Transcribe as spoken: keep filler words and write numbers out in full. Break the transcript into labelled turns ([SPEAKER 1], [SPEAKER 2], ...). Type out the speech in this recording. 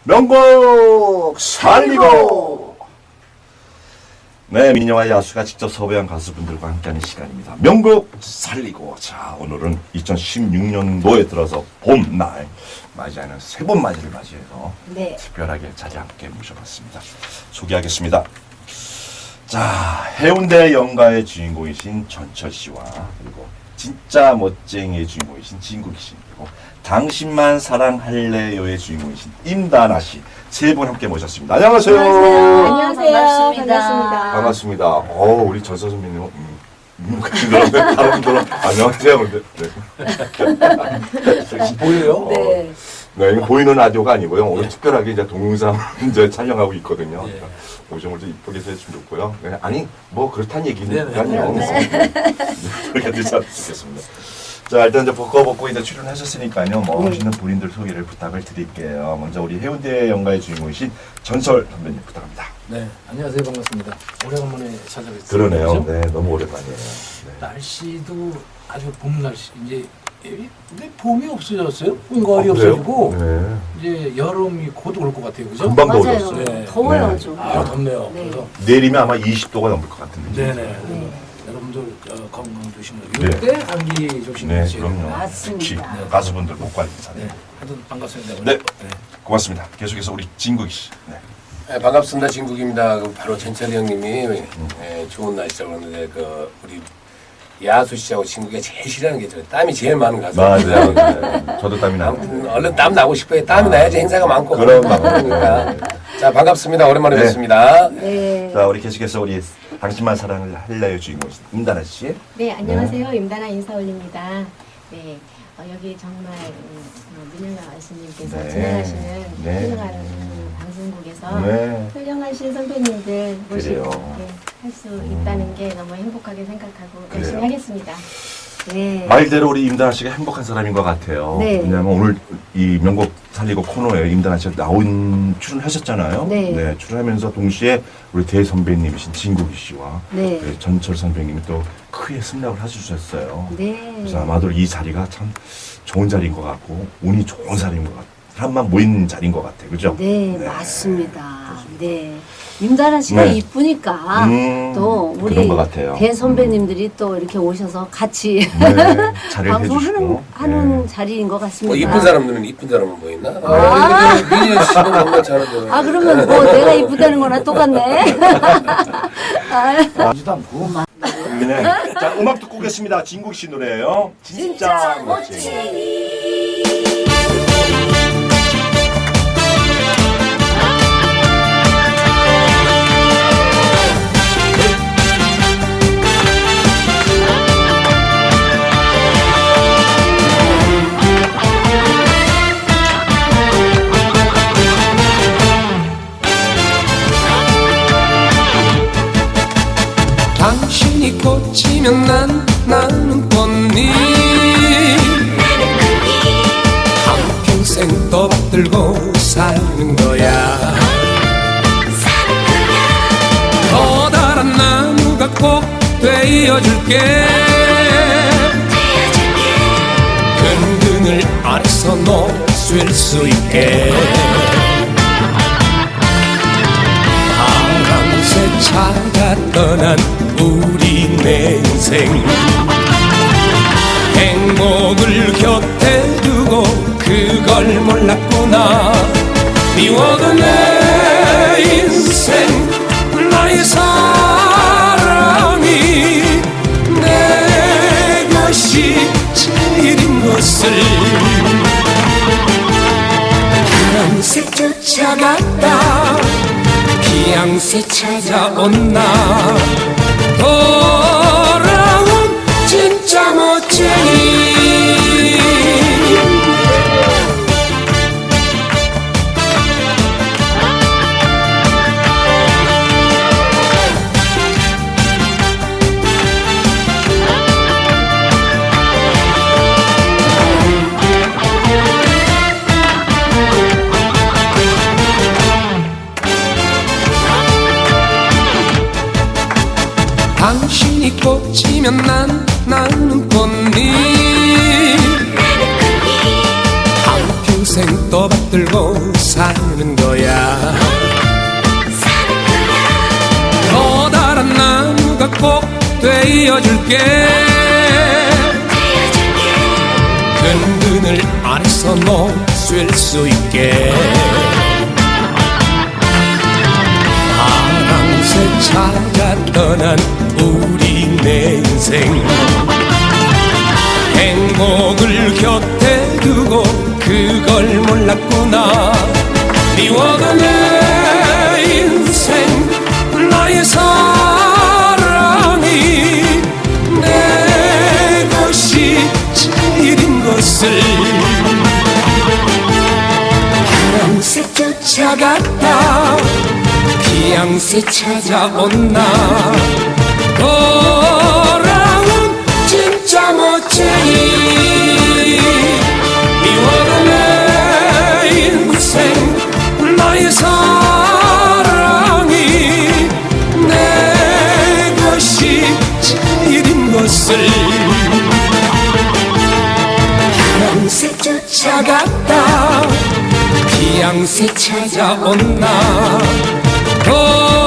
[SPEAKER 1] 명곡 살리고. 네, 민요와 야수가 직접 섭외한 가수분들과 함께하는 시간입니다. 명곡 살리고. 자, 오늘은 이천십육 년도에 들어서 봄날 맞이하는 새봄 맞이를 맞이해서
[SPEAKER 2] 네.
[SPEAKER 1] 특별하게 자리에 함께 모셔봤습니다. 소개하겠습니다. 자, 해운대 연가의 주인공이신 전철 씨와 그리고 진짜 멋쟁이의 주인공이신 진국이 씨, 그리고 당신만 사랑할래요의 주인공이신 임다나 씨 세 분 함께 모셨습니다. 안녕하세요.
[SPEAKER 2] 안녕하세요.
[SPEAKER 3] 반갑습니다.
[SPEAKER 2] 반갑습니다.
[SPEAKER 1] 반갑습니다. 어, 우리 전서 선배님, 음, 음, 같이 들었는데 다른 분들은 안녕하세요. 근데 네.
[SPEAKER 3] 보여요?
[SPEAKER 2] 네.
[SPEAKER 1] 네, 이거 보이는 라디오가 아니고요. 오늘 특별하게 이제 동영상 이제 촬영하고 있거든요.
[SPEAKER 3] 예.
[SPEAKER 1] 오늘 좀 이쁘게 해주시면 좋고요. 네, 아니, 뭐 그렇다는 얘기니까요.
[SPEAKER 3] 네,
[SPEAKER 1] 네. 그렇게 드셨으면 좋겠습니다. 자, 일단 이제 벗고 벗고 이제 출연하셨으니까요. 뭐
[SPEAKER 2] 네.
[SPEAKER 1] 하시는 본인들 소개를 부탁을 드릴게요. 먼저 우리 해운대 연가의 주인공이신 전설 선배님 부탁합니다.
[SPEAKER 3] 네, 안녕하세요. 반갑습니다. 오래간만에 찾아뵙습니다.
[SPEAKER 1] 그러네요.
[SPEAKER 3] 그죠?
[SPEAKER 1] 네, 너무 오랜만이에요. 네.
[SPEAKER 3] 날씨도 아주 봄 날씨. 이제 근데 봄이 없어졌어요. 거의
[SPEAKER 1] 아, 그래요?
[SPEAKER 3] 없어지고
[SPEAKER 1] 네.
[SPEAKER 3] 이제 여름이 곧 올 것 같아요. 그죠?
[SPEAKER 1] 금방
[SPEAKER 2] 맞아요.
[SPEAKER 1] 더워졌어요.
[SPEAKER 3] 네.
[SPEAKER 2] 더워요,
[SPEAKER 1] 네.
[SPEAKER 2] 좀.
[SPEAKER 3] 아, 덥네요.
[SPEAKER 2] 네.
[SPEAKER 3] 그래서
[SPEAKER 1] 내일이면 아마 이십 도가 넘을 것 같은데.
[SPEAKER 3] 네네.
[SPEAKER 2] 네.
[SPEAKER 3] 여러분들 어, 건강 조심하고
[SPEAKER 1] 네.
[SPEAKER 3] 이때 감기
[SPEAKER 1] 네,
[SPEAKER 3] 조심하세요.
[SPEAKER 1] 그럼요.
[SPEAKER 2] 맞습니다.
[SPEAKER 1] 특히
[SPEAKER 3] 네.
[SPEAKER 1] 가수분들 목 관리 잘해요.
[SPEAKER 3] 네, 하여튼 반갑습니다.
[SPEAKER 1] 네. 고맙습니다. 계속해서 우리 진국이 씨. 네.
[SPEAKER 4] 네, 반갑습니다. 진국입니다. 그 바로 전철이 형님이 예, 좋은 날씨라고 그러는데 그 우리 야수 씨하고 진국이가 제일 싫어하는 게 있잖아요. 땀이 제일 많은 가수.
[SPEAKER 1] 맞아요. 네. 저도 땀이 나요.
[SPEAKER 4] 아무튼 얼른 땀 나고 싶어요. 땀이
[SPEAKER 1] 아.
[SPEAKER 4] 나야지 행사가 많고
[SPEAKER 1] 그럼
[SPEAKER 4] 바쁘니까.
[SPEAKER 1] 네.
[SPEAKER 4] 자, 반갑습니다. 오랜만에
[SPEAKER 1] 네.
[SPEAKER 4] 뵙습니다.
[SPEAKER 2] 네.
[SPEAKER 1] 자, 우리 계속해서 우리 당신만 사랑을 할래요 주인공이신 임다나 씨.
[SPEAKER 5] 네, 안녕하세요. 임다나 인사 올립니다. 네, 어, 여기 정말 음, 어, 민영아 아씨님께서
[SPEAKER 1] 네.
[SPEAKER 5] 진행하시는
[SPEAKER 1] 네.
[SPEAKER 5] 훌륭한 음, 방송국에서
[SPEAKER 1] 네.
[SPEAKER 5] 훌륭하신 선배님들 모시고
[SPEAKER 1] 그래요.
[SPEAKER 5] 네, 할 수 있다는 게 너무 행복하게 생각하고
[SPEAKER 1] 그래요.
[SPEAKER 5] 열심히 하겠습니다.
[SPEAKER 2] 네.
[SPEAKER 1] 말대로 우리 임다나 씨가 행복한 사람인 것 같아요.
[SPEAKER 2] 네.
[SPEAKER 1] 왜냐하면 오늘 이 명곡 살리고 코너에 임다나 씨가 나온 출연하셨잖아요.
[SPEAKER 2] 네.
[SPEAKER 1] 출연하면서 동시에 우리 대선배님이신 진국이 씨와
[SPEAKER 2] 네.
[SPEAKER 1] 그 전철 선배님이 또 크게 승낙을 해주셨어요.
[SPEAKER 2] 네.
[SPEAKER 1] 그래서 아마도 이 자리가 참 좋은 자리인 것 같고 운이 좋은 자리인 것 같아요. 사람만 모인 자리인 것 같아요. 그죠?
[SPEAKER 2] 네, 맞습니다. 네. 임다나 씨가
[SPEAKER 1] 네.
[SPEAKER 2] 이쁘니까
[SPEAKER 1] 음,
[SPEAKER 2] 또 우리
[SPEAKER 1] 그런 것 같아요.
[SPEAKER 2] 대선배님들이 또 이렇게 오셔서 같이
[SPEAKER 1] 네, 자리를
[SPEAKER 2] 방송하는
[SPEAKER 1] 해주시고.
[SPEAKER 2] 하는
[SPEAKER 1] 네.
[SPEAKER 2] 자리인 것
[SPEAKER 4] 뭐
[SPEAKER 2] 같습니다.
[SPEAKER 4] 이쁜 사람들은 이쁜 사람은 뭐 있나?
[SPEAKER 2] 아.
[SPEAKER 4] 아, 민현 씨는 정말 잘하죠.
[SPEAKER 2] 아, 그러면 뭐 내가 이쁘다는 거나 똑같네. 아,
[SPEAKER 3] 지도 않고.
[SPEAKER 1] 네. 자, 음악 듣고 오겠습니다. 진국 씨 노래예요. 진짜,
[SPEAKER 2] 진짜
[SPEAKER 1] 멋쟁이.
[SPEAKER 6] 당신이 꽂히면 난 나는 꽃잎 한평생 떠받들고 사는 거야 커다란 나무가 꼭 되어줄게 근근을 안에서 놓을 수 있게 바람새 차가 떠난 우리 내 인생 행복을 곁에 두고 그걸 몰랐구나 미워도 내 인생 나의 사랑이 내 것이 제일인 것을 피양새 쫓아갔다 피양새 찾아온나 돌아온 진짜 멋쟁이 당신이 꽂히면 난 나는 꽃잎 한평생 떠받들고 사는 꼭 되어줄게 끈 그늘 아래서 놓을 수 있게 파랑새 찾아 떠난 우리 내 인생 행복을 곁에 두고 그걸 몰랐구나 미워도 내 인생 나의 사랑이 내 것이 제일인 것을 파랑새 쫓아갔다 피양새 찾아온나 돌아온 진짜 멋쟁이 미워도 내 인생 나의 사랑이 내 것이 제일인 것을 파랑새 쫓아갔다 피양새 찾아온나